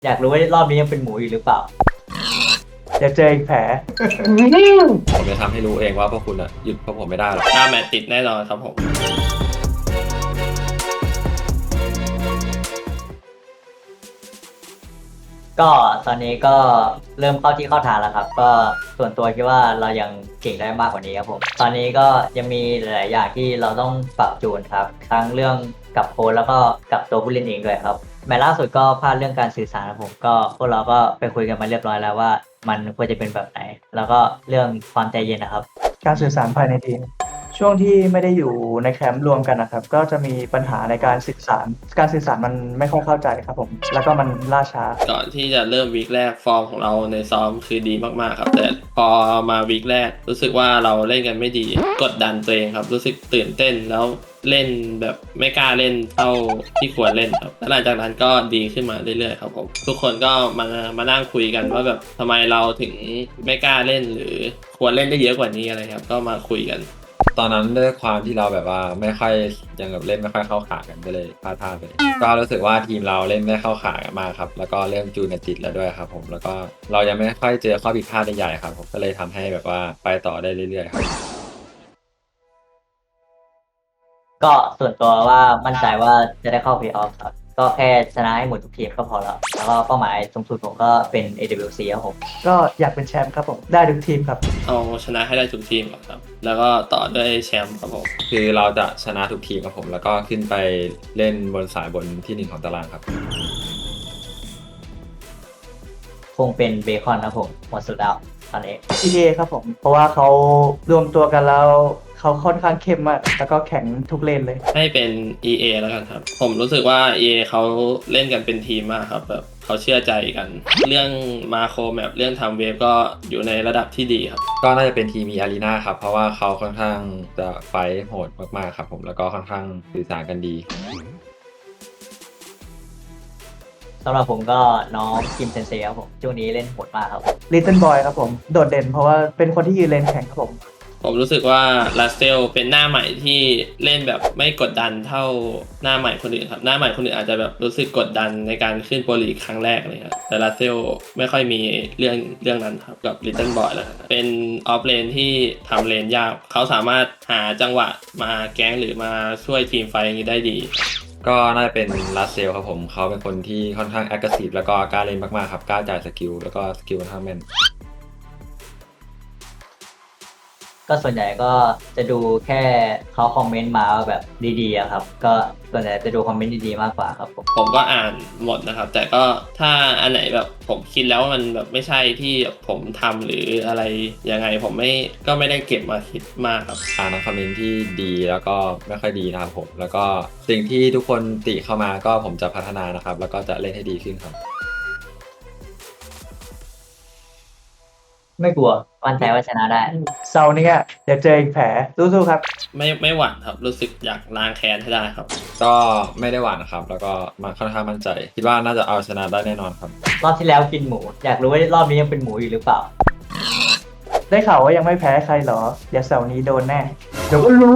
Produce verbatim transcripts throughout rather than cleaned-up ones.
อยากรู้ว่ารอบนี้ยังเป็นหมูอยู่หรือเปล่าจะเจออีกแผลผมจะทำให้รู้เองว่าพวกคุณอะหยุดพวกผมไม่ได้หรอกหน้าแมตช์ติดแน่นอนครับผมก็ตอนนี้ก็เริ่มเข้าที่เข้าทางแล้วครับก็ส่วนตัวคิดว่าเรายังเก่งได้มากกว่านี้ครับผมตอนนี้ก็ยังมีหลายๆอย่างที่เราต้องปรับจูนครับทั้งเรื่องกับโค้ชแล้วก็กับตัวผู้เล่นเองด้วยครับแมตช์ล่าสุดก็พลาดเรื่องการสื่อสารครับผมก็พวกเราก็ไปคุยกันมาเรียบร้อยแล้วว่ามันควรจะเป็นแบบไหนแล้วก็เรื่องความใจเย็นนะครับการสื่อสารภายในทีมช่วงที่ไม่ได้อยู่ในแคมป์รวมกันนะครับก็จะมีปัญหาในการสื่อสารการสื่อสารมันไม่ค่อยเข้าใจครับผมแล้วก็มันล่าช้าก่อนที่จะเริ่มวีคแรกฟอร์มของเราในซ้อมคือดีมากๆครับแต่พอมาวีคแรกรู้สึกว่าเราเล่นกันไม่ดีกดดันตัวเองครับรู้สึกตื่นเต้นแล้วเล่นแบบไม่กล้าเล่นเท่าที่ควรเล่นครับแล้วหลังจากนั้นก็ดีขึ้นมาเรื่อยๆครับผมทุกคนก็มามานั่งคุยกันว่าแบบทำไมเราถึงไม่กล้าเล่นหรือควรเล่นได้เยอะกว่านี้อะไรครับก็มาคุยกันตอนนั้นด้วยความที่เราแบบว่าไม่ค่อยยังแบบเล่นไม่ค่อยเข้าขากันก็เลยพลาดท่าไปก็รู้สึกว่าทีมเราเล่นไม่เข้าขากันมากครับแล้วก็เริ่มจูนกันติดแล้วด้วยครับผมแล้วก็เรายังไม่ค่อยเจอข้อผิดพลาดใหญ่ๆครับผมก็เลยทำให้แบบว่าไปต่อได้เรื่อยๆครับก็ส่วนตัวว่ามั่นใจว่าจะได้เข้าเพลย์ออฟครับก็แค่ชนะให้หมดทุกทีมก็พอแล้วแล้วก็เป้าหมายสูงสุดผมก็เป็น เอ ดับเบิลยู ซี ครับผมก็อยากเป็นแชมป์ครับผมได้ทุกทีมครับเอาชนะให้ได้ทุกทีมก่อนครับแล้วก็ต่อด้วยแชมป์ครับผมคือเราจะชนะทุกทีมครับผมแล้วก็ขึ้นไปเล่นบนสายบนที่หนึ่งของตารางครับคงเป็นเบคอนครับผมหมดสุดแล้วตอนนี้ อี เอ ครับผมเพราะว่าเขารวมตัวกันแล้วเขาค่อนข้างเข้มมากแล้วก็แข็งทุกเลนเลยให้เป็น อี เอ แล้วกันครับผมรู้สึกว่า อี เอ เขาเล่นกันเป็นทีมมากครับแบบเขาเชื่อใจกันเรื่องมาโครแมปเรื่องทำเวฟก็อยู่ในระดับที่ดีครับก็น่าจะเป็นทีมมีอารีนาครับเพราะว่าเขาค่อนข้างจะไฟท์โหดมากๆครับผมแล้วก็ค่อนข้างสื่อสารกันดีสำหรับผมก็น้องคิมเซนเซครับผมช่วงนี้เล่นโหดมากครับลิตเติ้ลบอยครับผมโดดเด่นเพราะว่าเป็นคนที่ยืนเลนแข็งครับผมผมรู้สึกว่าลาสเซลเป็นหน้าใหม่ที่เล่นแบบไม่กดดันเท่าหน้าใหม่คนอื่นครับหน้าใหม่คนอื่นอาจจะแบบรู้สึกกดดันในการขึ้นโปรลีกครั้งแรกเลยครับแต่ลาสเซลไม่ค่อยมีเรื่องเรื่องนั้นครับกับลิตเติ้ลบอยแล้วครับเป็นออฟเลนที่ทำเลนยากเขาสามารถหาจังหวะมาแก๊งหรือมาช่วยทีมไฟอย่างนี้ได้ดีก็น่าจะเป็นลัสเซลครับผมเขาเป็นคนที่ค่อนข้างแอคทีฟแล้วก็กล้าเล่นมากๆครับกล้าจ่ายสกิลแล้วก็สกิลค่อนข้างแม่นก็ส่วนใหญ่ก็จะดูแค่เขาคอมเมนต์มาแบบดีๆครับก็ส่วนใหญ่จะดูคอมเมนต์ดีๆมากกว่าครับผมผมก็อ่านหมดนะครับแต่ก็ถ้าอันไหนแบบผมคิดแล้วว่ามันแบบไม่ใช่ที่ผมทำหรืออะไรยังไงผมไม่ก็ไม่ได้เก็บมาคิดมากครับอ่านคอมเมนต์ที่ดีแล้วก็ไม่ค่อยดีนะครับผมแล้วก็สิ่งที่ทุกคนติเข้ามาก็ผมจะพัฒนานะครับแล้วก็จะเล่นให้ดีขึ้นครับไม่กลัวมั่นใจว่าชนะได้เซาเนี่ยเดี๋ยวเจออีกแผลสู้ๆครับไม่ไม่หวั่นครับรู้สึกอยากล้างแค้นให้ได้ครับก็ไม่ได้หวั่นนะครับแล้วก็มันค่อนข้างมั่นใจคิดว่าน่าจะเอาชนะได้แน่นอนครับรอบที่แล้วกินหมูอยากรู้ว่ารอบนี้ยังเป็นหมูอยู่หรือเปล่าได้ข่าวว่ายังไม่แพ้ใครเหรอเดี๋ยวเสาร์นี้โดนแน่เดี๋ยวก็รู้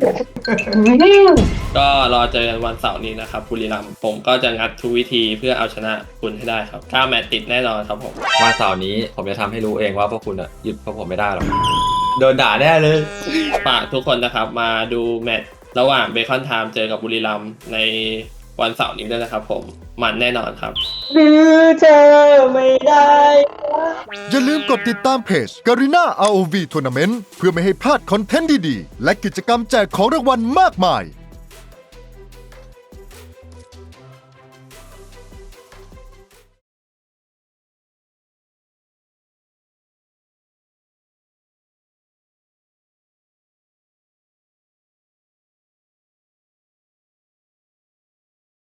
ก็รอเจอกันวันเสาร์นี้นะครับบุรีรัมย์ผมก็จะงัดทุกวิธีเพื่อเอาชนะคุณให้ได้ครับเก้าแมตช์ติดแน่นอนครับผมวันเสาร์นี้ผมจะทำให้รู้เองว่าพวกคุณอะหยุดพวกผมไม่ได้หรอกโดนด่าแน่เลยฝากทุกคนนะครับมาดูแมตช์ระหว่างเบคอนไทม์เจอกับบุรีรัมย์ในวันเสาร์นี้ด้วยนะครับผมมันแน่นอนครับหรือเธอไม่ได้อย่าลืมกดติดตามเพจ Garena อาร์ โอ วี Tournament เพื่อไม่ให้พลาดคอนเทนต์ดีๆและกิจกรรมแจกของรางวัลมากมาย